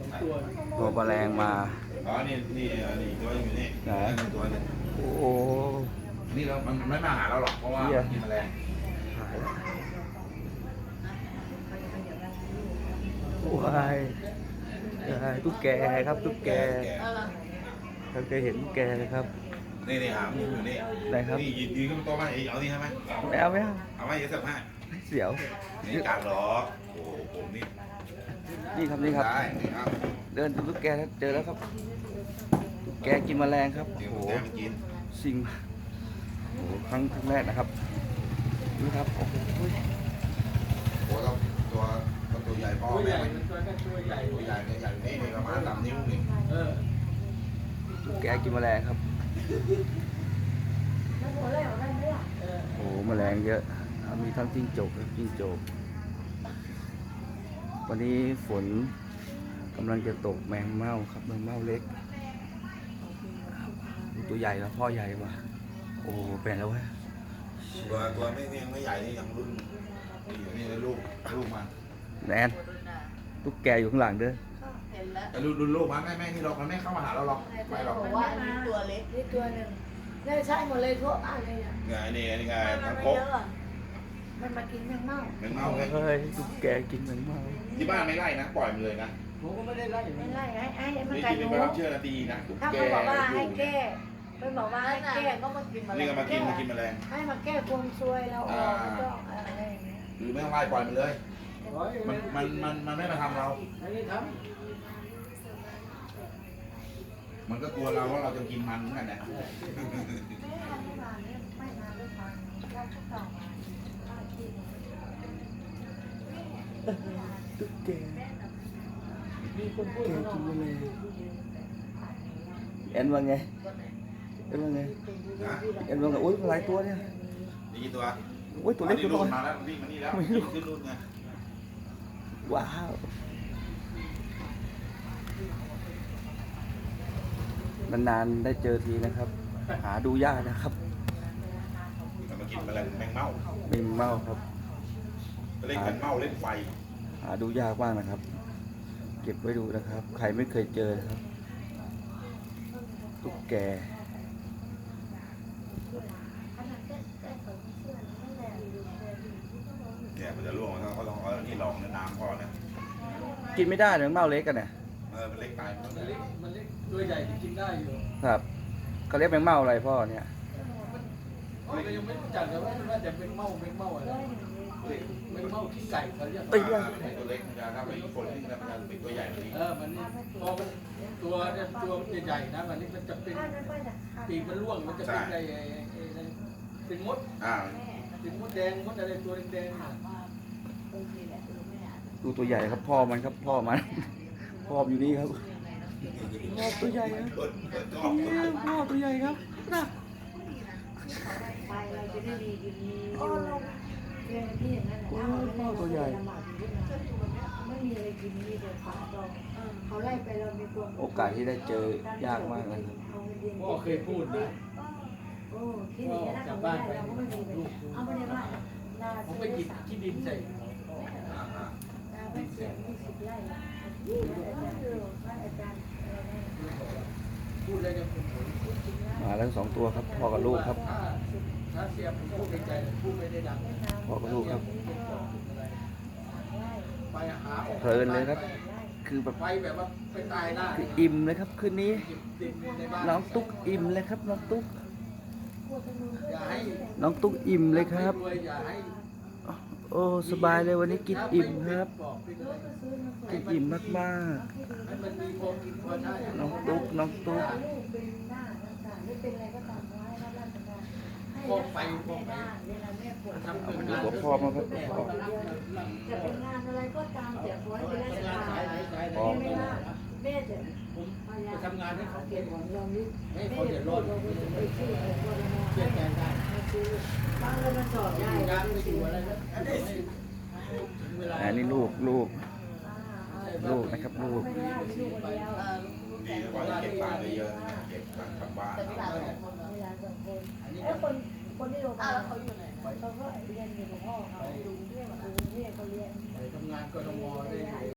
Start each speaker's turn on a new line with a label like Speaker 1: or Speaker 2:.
Speaker 1: ตัวแมลงมา
Speaker 2: อ๋อนี่ตัวอยู่นี่
Speaker 1: ไหน
Speaker 2: ตัวนึง
Speaker 1: โอ้โห
Speaker 2: นี่มันไม่มาหาเราหรอกเพราะว่ากินแมลง
Speaker 1: หายว้ายตุ๊กแกครับตุ๊กแกเราเคยเห็นตุ๊กแกครับ
Speaker 2: นี่หามอยู่นี่
Speaker 1: ไหนครับ
Speaker 2: นี่ยืนขึ้นโต๊ะมาเอานี่ใช่ไหม
Speaker 1: ไม่เอา
Speaker 2: เอาไว้เดี๋ยวเสิร์ฟให้
Speaker 1: เสียว
Speaker 2: นี่การหรอโอ้ผม
Speaker 1: นี่ครับนี่ครับ
Speaker 2: ได้ครับ
Speaker 1: เดินดูตุ๊กแกแล้วเจอแล้วครับตุ๊กแกกินแมลงครับ
Speaker 2: โอ้โหกิน
Speaker 1: สิ่งโอ้ครั้งแรกนะครับนี่ครับโอ้โห
Speaker 2: ตัวใหญ่พ่อแม่ตัวใหญ่นี่ประมาณ3 นิ้วนี่
Speaker 1: ตุ๊กแกกินแมลงครับโอ้แมลงเยอะมีทั้งจิ้งจกและจิ้งจกวันนี้ฝนกำลังจะตกแมงเม่าครับแมงเม่าเล็กตัวใหญ่แล้วพ่อใหญ่ว่ะโอ้เป็นแล้วเว้ย
Speaker 2: ตัวไม่ใหญ่นี่ยังรุ่นนี่ลูกมา
Speaker 1: แอนตุ๊กแกอยู่ข้างหลังเด้อ
Speaker 2: แต่รุ่นลูกมันแม่นี่หรอกมันไม่เข้ามาหาเราหรอกไม่หรอก
Speaker 3: ว่านี่ตัวเล็กนี่ตัวหนึ่งนี่ใช่หมดเลยทั่วอะไรเนี่ย
Speaker 2: นี่ไงทั้งโคก
Speaker 3: มันมากินแมงเม่า
Speaker 2: ไง
Speaker 1: เฮ้ยตุ๊กแกกินแมงเม่า
Speaker 2: ที่บ้านไม่ไล่นะปล่อยมันเลยนะ
Speaker 3: ผมก็ไม่ได้ไล่ไอ้มัน
Speaker 2: ไ
Speaker 3: กัดหนู
Speaker 2: เชื่อนาทีนะ
Speaker 3: ถ้าเขาบอกว่าให้แก้ไม่บอกว่าให้แก้ก็มากินแมลง
Speaker 2: นี่ก็มากินแมลง
Speaker 3: ให้มาแก้ความซวยเราออกไม่ต้องอะไรอย่างเงี้ย
Speaker 2: หรือไม่ต้องไล่ปล่อยมันเลยมันไม่มาทำเรามันก็กลัวเราว่าเราจะกินมันเหมือนกันนะ
Speaker 1: ตุ๊กแกมีคนพูดกินแมลงเอ็นว่าไงเอ็นว่าไงโอ้ยหลายตัวเนี่ย
Speaker 2: นี่กี่ตัว
Speaker 1: โอ้ยตัวเล็กตัวน้อย
Speaker 2: มาแล้ววิ่งมานี่แล้วขึ้นรุ่นไง
Speaker 1: ว้าวนานๆได้เจอทีนะครับหาดูยากนะครับ
Speaker 2: มากินแมลงแมงเม่า
Speaker 1: ครับ
Speaker 2: เล่นแมงเม่าเล่นไฟ
Speaker 1: หาดูยากมากนะครับเก็บไว้ดูนะครับใครไม่เคยเจอครับตุ๊กแก
Speaker 2: เนี่ยมันจะล่วงเขาต้องเอาที่รองน้ำพอเนี่ย
Speaker 1: กินไม่ได้เนื้อเม่าเล็กกันเนี่ย
Speaker 2: มันเล็กตายมันเล็ก
Speaker 4: ตัวใหญ่กินได้อยู่
Speaker 1: ครับเขาเรียกแมงเม่าอะไรพ่อเนี่ย
Speaker 4: เรายังไม่รู้จักเลยว่าจะเป็นเม่าอะไรเป็นเม่าขี้ไก่เขาเรียก
Speaker 2: ตัวเล็กมันจะถ้าไปคนที่มันจะเป็นตัวใหญ่กว่านี้
Speaker 4: มันพอมันตัวใหญ่นะมันนี่มันจะเป็นปีกมันร่วงมันจะเป็นอะไรเป็นมดเป็นมดแดงมดอะไรตัวแดง
Speaker 1: ดูตัวใหญ่ครับพ่อมันพ่ออยู่นี่ครับพ่อตัวใหญ่ครับพ่อตัวใหญ่ครับนะ
Speaker 3: ไปเราจะได้ดีกินพ่อตัวใหญ่ไม่มีอะไรกินมีแต่ฝาดองเขาไล่ไปเรามีตัว
Speaker 1: โอกาสที่ได้เจอยากมากเลยครับ
Speaker 4: พ่อเคยพูดนะ
Speaker 3: ที่นี่ถ้าเขาไม่ได้เราก็ไม่มีเอาไม่ได้ว่า
Speaker 4: ผมไปหยิบที่ดินใส่
Speaker 3: เป็นเสียง20 ไร่
Speaker 4: พูดอะไรกัน
Speaker 1: มาแล้ว2 ตัวครับพ่อกับลูกครับ
Speaker 4: ถ้าเสียบพูดในใจพูดไม่ได้ดัง
Speaker 1: พ่อกับลูกครับ
Speaker 4: ไปหา
Speaker 1: เพลินเลยครับคือแบบ
Speaker 4: ไปแบบว่าไปตายหน้า
Speaker 1: คืออิ่มเลยครับคืนนี้น้องตุ๊กอิ่มเลยครับน้องตุ๊กอิ่มเลยครับโอ้สบายเลยวันนี้กินอิ่มครับกินอิ่มมากๆน้องตุ๊ก
Speaker 4: พ่อไป
Speaker 1: เอามาดูกับพ่อมาครับพ่อ
Speaker 3: จะเป็นงานอะไรก็ตามแต่ขอให้เป็นราชการไม่ว่าแม่จะ
Speaker 4: ไปทำงานให้เขา
Speaker 3: เก็บของเรานี่
Speaker 4: ให้เขาเดือดร้อน
Speaker 3: ไปชื่อของคนละ
Speaker 4: เปลี่ยนแปลงได้
Speaker 3: บางเรามาสอบได้
Speaker 4: งานไม่อยู่อะไรแล้ว
Speaker 1: อันนี้ลูกนะครับลูก
Speaker 2: ดีนะว่าเก็บปลาได้เยอะเก็บปลากลับบ้าน
Speaker 3: คนที่โรงพยาบาลเขาอยู่ไหนเขาก็เรียนอยู่กับพ่อเขาดูเรื่องเขาเรียน
Speaker 4: ทำงานกทมได้